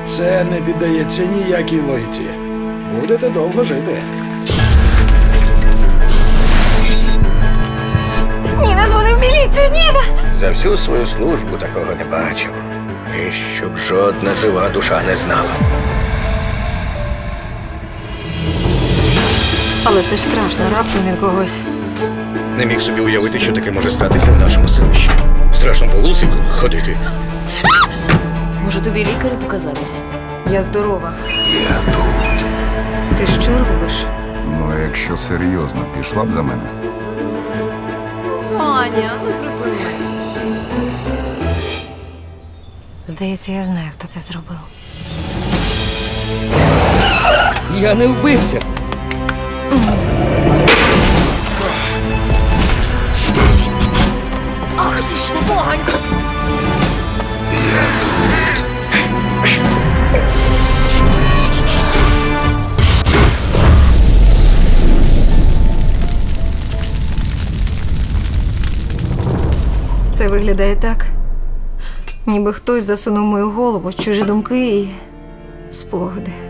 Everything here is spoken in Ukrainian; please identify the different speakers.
Speaker 1: Це не піддається ніякій логіці. Будете довго жити.
Speaker 2: Ніна дзвонив в міліцію, Ніна!
Speaker 3: За всю свою службу такого не бачив. І щоб жодна жива душа не знала.
Speaker 2: Але це ж страшно, раптом він когось.
Speaker 3: Не міг собі уявити, що таке може статися в нашому селищі. Страшно по вулиці ходити.
Speaker 2: Може, тобі лікарю показатись? Я здорова.
Speaker 3: Я тут.
Speaker 2: Ти що робиш?
Speaker 4: Ну, а якщо серйозно, пішла б за мене.
Speaker 2: Ваня, ну припини. Здається, я знаю, хто це зробив.
Speaker 3: Я не вбивця.
Speaker 2: Ах ти ж погань! Це виглядає так, ніби хтось засунув мою голову в чужі думки і спогади.